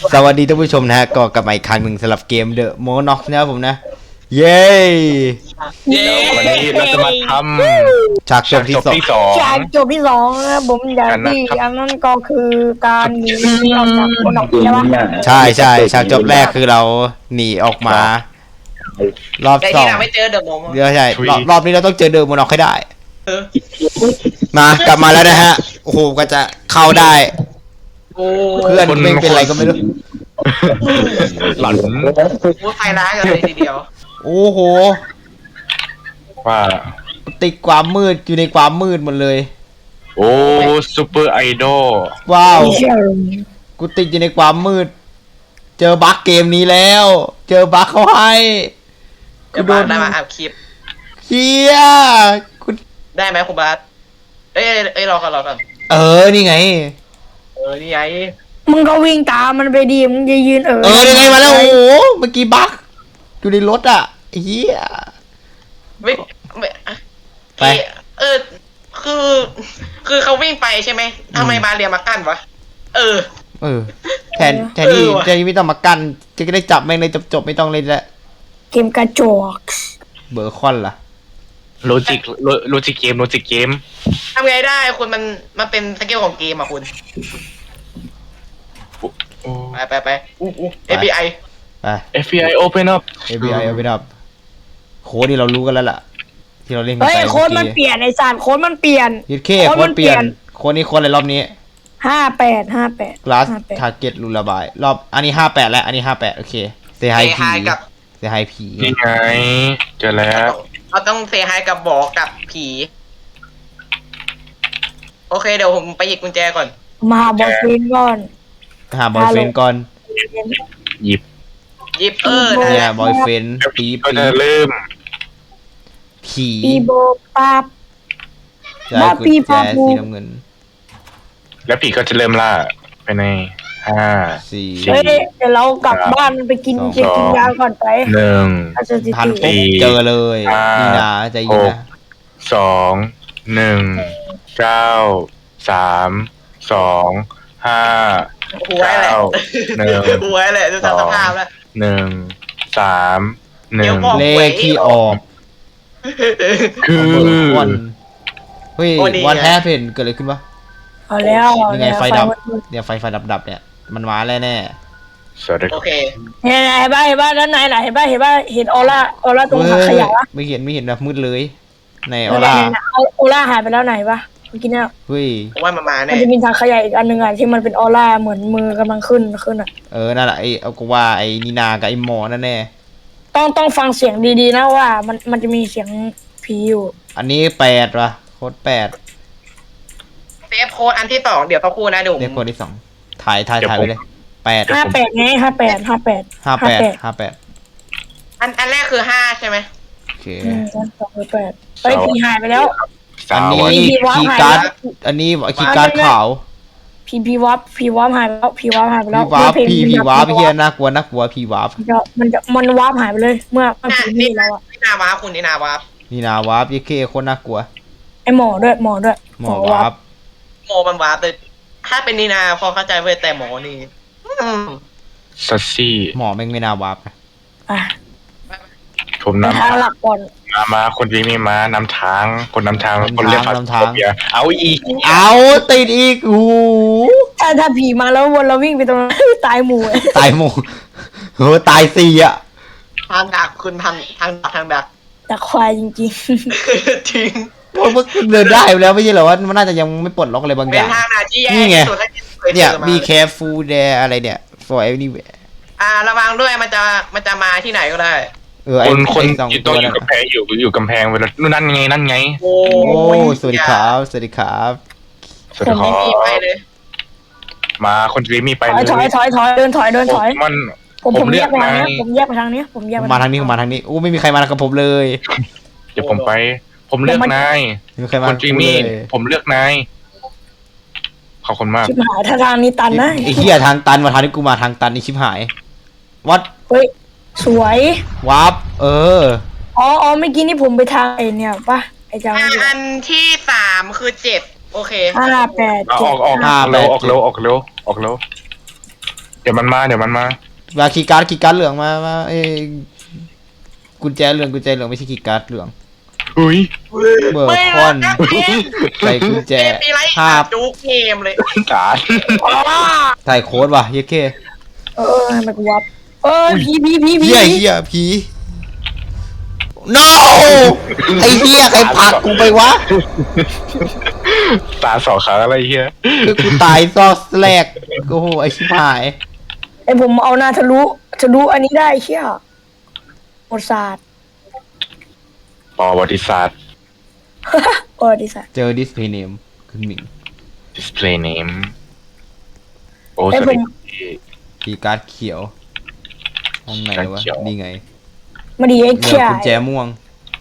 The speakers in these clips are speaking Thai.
สวัสดีท่านผู้ชมนะฮะก็กลับมาอีกครั้งหนึ่งสำหรับเกม The Monox นะครับผมนะ เย้วันนี้เราจะมาทฉากำจบที่สองจากจบที่สองนะผมอย่างที่อันนั้นก็คือการหนีออกจากคนออกใช่ปะใช่ใช่ฉากจบแรกคือเราหนีออกมา รอบแต่สอที่งเราไม่เจอเดอะโมโมเดี๋ยวใช่รอบนี้เราต้องเจอ The Monox ให้ได้เออมากลับมาแล้วนะฮะ โอ้โหก็จะเข้าได้โอ้เพื่อนไม่เป็นไรก็ไม่รู้หลันโหไฟร้ายกันเลยทีเดียวโอ้โหว่าติดความมืดอยู่ในความมืดหมดเลยโอ้ซูเปอร์ไอดอลว้าวไม่ใช่กูติดอยู่ในความมืด เจอบั๊กเกมนี้แล้ว เจอบั๊กเขาให้เดี๋ยวบาสได้มาอัพคลิปเฮียกูได้ไหมคุณบาสเอ้ยรอก่อนนี่ไงนี่ไงมึงก็วิ่งตามมันไปดีมึงจะยืนนี่ไงมาแล้ว โอ้โห เมื่อกี้บั๊กอยู่ในรถอ่ะเฮียไม่ไปคือเขาวิ่งไปใช่ไหมทำไมมาเรียมากั้นวะเออแทนที่ไม่ต้องมากั้นจะได้จับแม่งเลยจบไม่ต้องเลยละเกมกระจอกเบอร์คอนล่ะโลจิกเกมทำไงได้คุณมันเป็นสกิลของเกมอ่ะคุณโอ้ไปFBI ไป FBI open up FBI เอาไปดับโค้ดที่เรารู้กันแล้วล่ะ ที่เราเล่นกันเฮ้ยไปโค้ดมันเปลี่ยนไอ้สารโค้ดมันเปลี่ยนยึดเคโค้ดเปลี่ยนโค้ดนี้โค้ดอะไรรอบนี้ 58 glass target รูระบายรอบอันนี้58แล้วอันนี้58โอเคเซฮายผีกับเซฮายผีนี่ไงเจอแล้วเราต้องเซฮายกับบอกกับผี โอเคเดี๋ยวผมไปหยิบกุญแจก่อนมาหาบอสฟินก่อนหาบอยเฟนก่อนหยิบหยิบเนี่ยบอยเฟนปีก็จะเริ่มผีปีโบปั๊บใจกุญแจสีน้ำเงินแล้วผีก็จะเริ่มล่าไปในสี่เฮ้ยเดี๋ยวเรากลับบ้านไปกินเจกินยาก่อนไปหนึ่งอาจจะติดพันปุ๊บเจอเลยนี่นะใจเย็นนะสองหนึ่งเก้าสามสองห้าหัวแหละหนึ่งหัวแหละดูจากสภาพแล้วหนึ่งสามหนึ่งเลขที่ออกคือวันเฮ้ยวันแฮปเพนเกิดอะไรขึ้นวะเอาแล้วยังไงไฟดับเนี่ยไฟดับเนี่ยมันมาแล้วแน่สวัสดีโอเคเนี่ยเห็นบ้านด้านในไหนเห็นบ้านเห็นออร่าตรงถังขยะวะไม่เห็นแบบมืดเลยในออร่าออร่าหายไปแล้วไหนปะเมื่อกี้เนี่ยเฮ้ยผมว่ามันมามัแน่นจะมีถังขยะอีกอันหนึ่งอ่ะที่มันเป็นออร่าเหมือนมือกำลังขึ้นอ่ะนั่นแหละไอ้เอาก็ว่าไอ้นีนากับไอ้หมอนั่นแน่ต้องฟังเสียงดีๆนะว่ามันจะมีเสียงผีอยู่อันนี้8วะโค้ด8 เซฟโค้ดอันที่2เดี๋ยวเขาคู่นะเดี๋ยวผมเรียกโค้ดที่2ถ่ายไปเลย8 58ไง58 อันแรกคือ5ใช่ไหมโอเค 258ไปผีหายไปแล้วอันนี้ผีวาร์ปคีย์หายการ์ดแล้วอันนี้คีย์การ์ดขาวผีวาร์ปหายไปแล้วผีวาร์ปหายไปแล้วผีวาร์ปเฮียน่ากลัวผีวาร์ปมันวาร์ปหายไปเลยเมื่อผีนี่แล้วอ่ะนี่นาวาร์ปคุณนี่นาวาร์ปนีนาวาร์ปยี่เคโคตรน่ากลัวไอหมอด้วยหมอวาร์ปโมมันวาร์ปเลยถ้าเป็นนีนาพอเข้าใจเว้ยแต่หมอนี่ซัสซี่หมอแม่งไม่น่าวาร์ปนะอ่ะผมไปนำทางหลักก่อนมาคนที่มีม้านำทางคนนำทางคนเรียกเอาอีกเอาติดอีกโอ้โหถ้าผีมาแล้ววนเราวิ่งไปตรงนั้น ตายหมู่ตายหมดโหตาย4อ่ะทางดักคุณทางดักแต่ควายจริงจริงพวกเดินได้แล้วไม่ใช่เหรอว่ามันน่าจะยังไม่ปลดล็อกอะไรบางอเป็นย่างทางนาที่แย่นี่ไงที่สุดแล้วที่เคยเจเนี่ยอมา be careful there อะไรเนี่ย for anywhere ระวังด้วยมันจะมาที่ไหนก็ได้คนสองอยู่ตัต้วองอนั่ยู่นกำแพงอยู่กำแพงเวลานั่นไงโอ้โอ้สวัสดีครับสวัสดีครับสวัสดีครัมีไปเลยมาคนที่มีไปๆถเลอยเดินถอยมันผมแยกไปทางนี้ผมแยกไปทางนี้มาทางนี้โอ้ไม่มีใครมากับผมเลยเดี๋ยวผมไป ผมเลือกนายไม่มีใครมาคกับนที่กูมีเลยผมเลือกนายขอบคุณมากชิบหายถ้าทางนี้ตันนะไอ้เหี้ยทางตันมาทางที่กูมาทางตันนี่ชิบหายวัดเฮ้ยสวยวับอ๋อเมื่อกี้นี่ผมไปทางไอเนี่ยปะไอจังอันที่3คือ7โอเค 58 ออกเร็วเดี๋ยวมันมามาคีย์การ์ดเหลืองมากุญแจเหลืองไม่ใช่คีย์การ์ดเหลืองอุ้ยเบอร์ไม่คอนนะเกมใส่กุญแจเกมปีไรภาพจุกเกมเลยสารใส่โค้ดว่ะเย้เคทำไมกูวับผีเหี้ยผี no ไอ้เหี้ยใครผลักกูไปวะตาสองครั้งอะไรเฮียคือกูตายซอกแรกโอ้โหไอ้ชิบหายไอผมเอาหน้าทะลุอันนี้ได้เชี่ยหมดศาสตร์ประวัติศาสตร์ดิสัตเจอดิสเพย์เนมคุณหมิง display name โอ้สไอวัสผมดีคีย์การ์ดเขียวห้องไหนวะเขียวนี่ไงมาดีไอ้เหลืเชี่อย กุญแจม่วง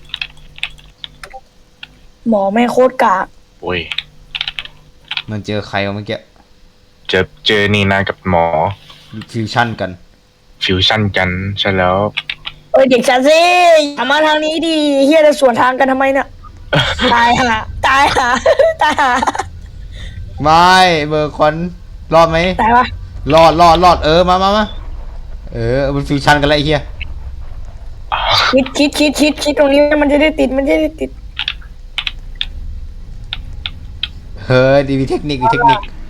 หมอแม่งโคตรกากโอ้ยมันเจอใครวะเมื่อกี้เจอนีนากับหมอฟิวชั่นกันฟิวชั่นกันใช่แล้วเด็กชาซิอย่ามาทางนี้ดิเฮียจะสวนทางกันทำไมเนี่ยตายหาไม่เบอร์คอนรอดไหมตายปะรอดมามันฟิวชั่นกันแล้วไอ้เหี้ยคิดตรงนี้มันจะได้ติดเฮ้ยดีมีเทคนิคการ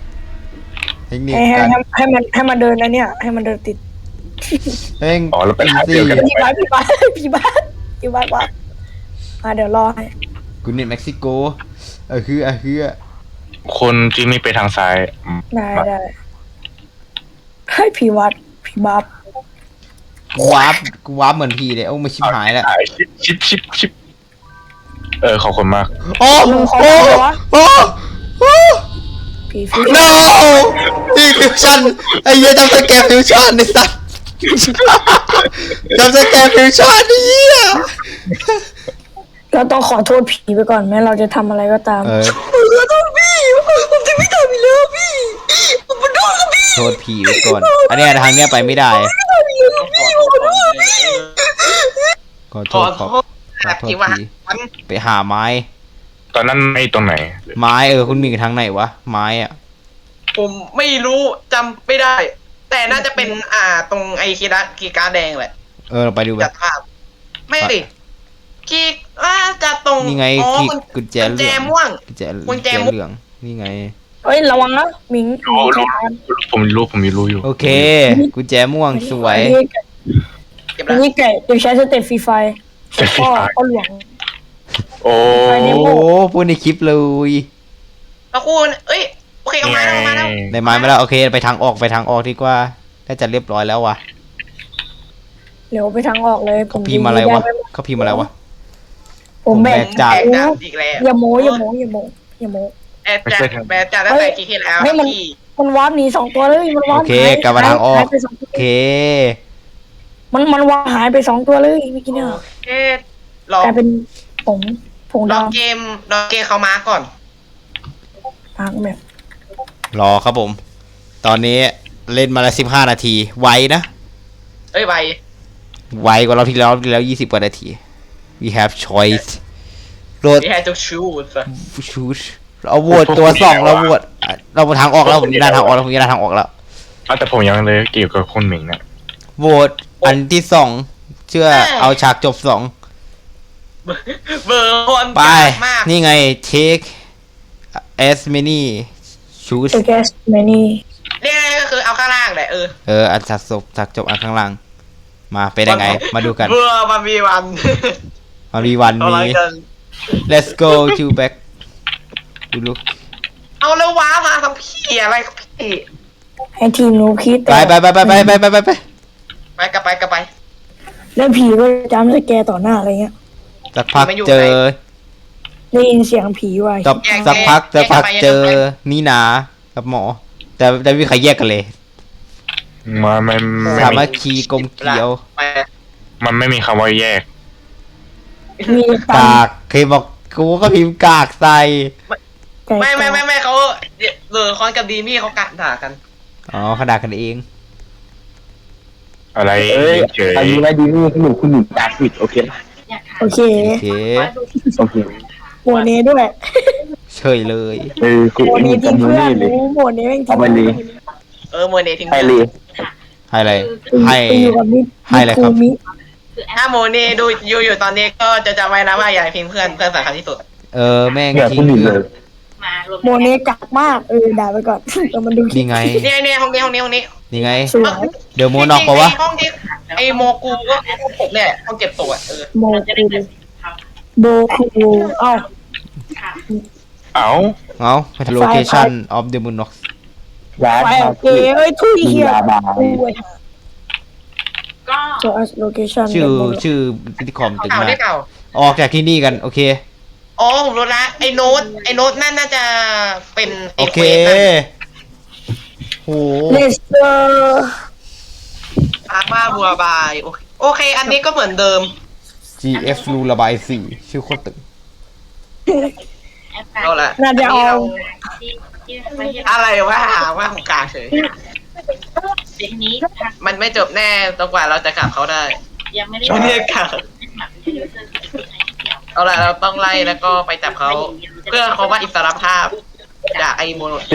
ให้มันเดินนะเนี่ยให้มันเดินติดเฮ้ยอ๋อแล้วไปหาเจอกันพี่บ้านว่ะเดี๋ยวรอให้กูเน็ตเม็กซิโกคือคนที่ไม่ไปทางซ้ายได้ให้ผีวัดผีบัฟกูวาร์ปเหมือนพี่เลยโอ้มาชิบหายแล้วชิปขอบคุณมากโอ้ผีฟิว no นี่ฟิวชั่นไอ้เหี้ยจำสแกนฟิวชั่นไอ้สัสจำสแกนฟิวชั่นไอ้เหี้ยเราต้องขอโทษผีไปก่อนแม้เราจะทำอะไรก็ตาม ขอโทษพี่ผมจะไม่ทำอีกแล้วพี่ผมขอโทษครับพี่โทษผีไว้ก่อนอันเนี้ยทางเนี้ยไปไม่ได้ขอโทขอษโทษผีไปหาไม้ตอนนั้นไม่ตรงไหนไม้คุณมีทางไหนวะไม้อะผมไม่รู้จำไม่ได้ แต่น่าจะเป็นตรงไอ้กีการ์ดแดงแหละเราไปดูไปจัดภาพไม่ดิกีจัดตรงนี่ไง กุญแจกุญเหแจลืองม่วงกุญแจกุญแจม่วงเหลืองนี่ไงระวังนะมิงผมรู้อยู่โอเคกุญแจม่วงสวยเก็บอัละนนี้ไก่จะใช้สเต็ปฟรีไฟก็หลวงโอ้โอ้พูดในคลิปเลยพระคุณโอเคเอามาแล้วได้ไม้มาแล้วโอเคไปทางออกดีกว่าน่าจะเรียบร้อยแล้ววะเดี๋ยวไปทางออกเลยผมพิมพ์อะไรวะเขาพิมพ์อะไรวะผมแบกจากอีกแล้วอย่าโม้แอบจากตั้งแต่กี่ที่แล้วพี่มันวาร์ปหนี2 ตัวเลยมันวาร์ปโอเคกลับมาทางออกหายไป2 โอตัวเคมันวาร์ปหายไป2 ตัวเลยเมื่อกี้เนี่ยรอกลายเป็นผงรอดำเกมเขามาก่อนทางแบบรอครับผม ตอนนี้เล่นมาแล้ว15 นาทีไวนะใบไวกว่าเราที่แล้ว20 กว่านาที we have choice โหลดที่ให้ทุกชูด choose เราโหวตตัว2เราโหวตเราทางออกแล้วผมยืนทางออกแล้วแต่ผมยังเลยเกี่ยวกับคุณหมิงนะโหวตอันที่2เชื่อเอาฉากจบ2 เบอร์คนไปมากนี่ไง take as many choose เอแกสแมนี่เรียกก็คือเอาข้างล่างแหละอันฉากจบอันข้างล่างมาเป็นยังไงมาดูกันเบอร์มันมีวันมารีวันเอาอะไรนี้กัน let's go to back ดูลูกเอาแล้วว้ามาทำพี่อะไรครับพี่ให้ทีมหนูคิดไปไปกลับไปแล้วผีก็จำสแกร์ต่อหน้าอะไรเงี้ยสักพักเจอได้ยินเสียงผีว่ะสักพักเจอนี่นากับหมอ แต่ไม่มีใครแยกกันเลยมันไม่สามัคคีกลมเกลียวมันไม่มีคำว่าแยกมีกากเคยบอกกูก็พิมพ์กากใส่ไม่เขาเบอร์คอนกับดีมี่เขากัดด่ากันอ๋อขนาดกันเองอะไรเฉยอายุไรดีนี่คุณหนุ่มจากผิดโอเคป่ะโอเคโอเคโอเคโหมดนี้ด้วยเฉยเลยคุณโหมดหนี้นุ่มทิ้งจำมือเพื่อนนี่เลยโหมดนี้แม่งทิ้เอางไปเลยเมอร์เนทิ้งไปเลยให้อะไรให้ไปอยู่กับมิให้อะไรครับมิถ้าโมนี่ดูอยู่ตอนนี้ก็จะจำไว้นะว่าอย่าพิมพ์เพื่อนสำคัญที่สุดแม่งอย่าทิ้คุงณหนึ่งเพื่เลอนยโมเนกักมากด่าไปก่อนเรามาดูคลินี่ปไงเนี่ยห้องนี้นี่ไงสวยเดี๋ยวโมนอกปะวะห้องที่ไอโมกูก็ผมเนี่ยห้องเก็บตัวโมคูโบคูเอ้าเอ้าเอา location of the moon ร้านไปคาโอเคเฟ่ทุยเฮียมียาบาย so as location ชื่อพิธีคอมตึงเก่ามากได้เก่าออกจากที่นี่กันโอเคอ๋อผมรู้ละไอโน้ตนั่นน่าจะเป็นไอโอเควเคสนะโหเลสเตอร์อาบ้าบัวบายโอเค อันนี้ก็เหมือนเดิม GF รูระบายสีชื่อโคตรตึงเอาละน่าจะเอาอะไรวะหาว่าของกลางเฉยมันไม่จบแน่จนกว่าเราจะกลับเขาได้ยังไม่ได้ช่วงนี้กลับเอาละเราต้องไล่แล้วก็ไปจับเขาเพื่อเขาว่าอิสรภาพจากไอโมโน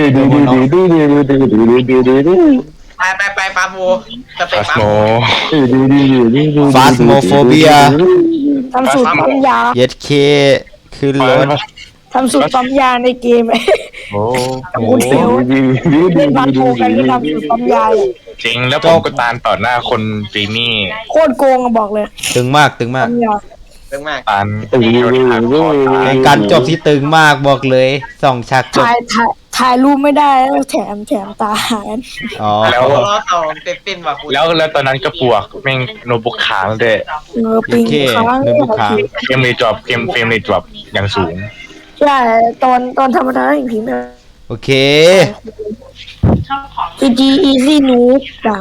ไปปาบูจะไปฟาสปาโมบู Phasmophobia ทำสูตรปั๊มยาเย็ดเคคือรถทำสูตรปั๊มยาในเกมโอ้คุณเฟลเล่นบาโกกันก็ทำสูตรปั๊มยาจริงแล้วผมก็ตานต่อหน้าคนจีนี่โคตรโกงอะบอกเลยตึงมากตึงมากปั๊มยาเรื่องมากตานโดนหักคอตายเป็นการจบที่ตึงมากบอกเลย2 ฉากจบถ่ายรูปไม่ได้แล้วแถมตาหายอ๋อแล้วล้อสองติดว่ะคุณแล้วตอนนั้นก็ปวกแม่งโน้ตบุ๊กค้างด้วยปิงค้างเงินบุกค้างเฟรมเรทดรอปเฟรมเรทดรอปอย่างสูงใช่ตอนธรรมดาอย่างพิมพ์โอเคชอบของ GG easy noob ด่า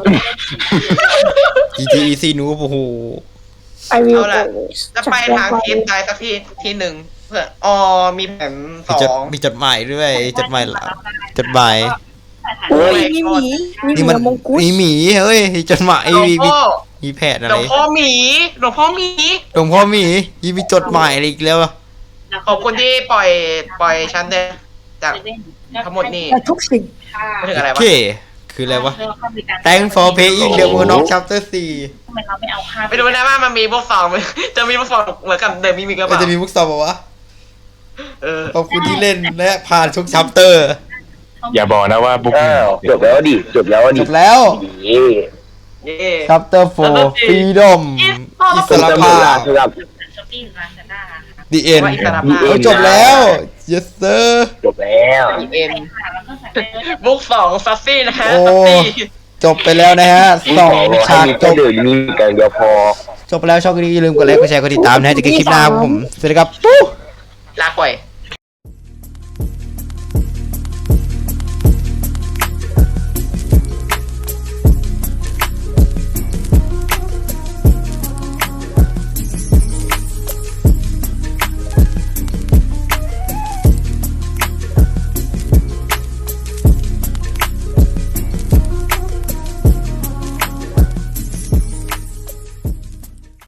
GTEC นูโอ้โห I will เอาละ always จะไปทางทีมใดสักที่หนึ่งเพื่อมีแผนสองมีจดหมายด้วยจดหมายหลังจดหมายโอ้ยมีหมีมีนี่หมัมีนมงกุฎมีหมีเฮ้ยจดหมายหลวงมีพ่อมีแผนอะหลไรวงพ่อหมีหลวงพ่อหมีหลวงพ่อหมีมีจดหมายอะไรอีกแล้วอะขอบคุณที่ปล่อยฉันเดินจากทั้งหมดนี่แต่ทุกสิ่งไม่ถึงอะไรโอวะเคคืออะไรวะ Thanks for paying the Moon of Chapter 4 ทำไมเราไม่เอาค่าไปดูนะว่ามันมีพวกสองไหมจะมีพวกสองเหมือนกับเดิมมีกระมันเป๋าจะมีมุกซอมปะวะเออขอบคุณที่เล่นและผ่านทุก chapter อย่าบอกนะว่าบุ๊กอ้าวจบแล้วดิจบแล้วดิจบแล้วเย่เย่ chapter 4 freedom อิสรภาพครับช้อปปิ้งร้านซาด้า the end ว่าอิสรภาพจบแล้ว yes sir จบแล้วเอ็นแล้วก็ใส่บุกสองซัสซี่นะฮะโอ้ซัสซี่จบไปแล้วนะฮะ2 ฉากจบเดินมีกันเดียวพอจบไปแล้วช่องนี้อย่าลืมกดไลค์กดแชร์กดติดตามนะฮะเจะกันคลิปหน้าครับผมสวัสดีครับลาก่อย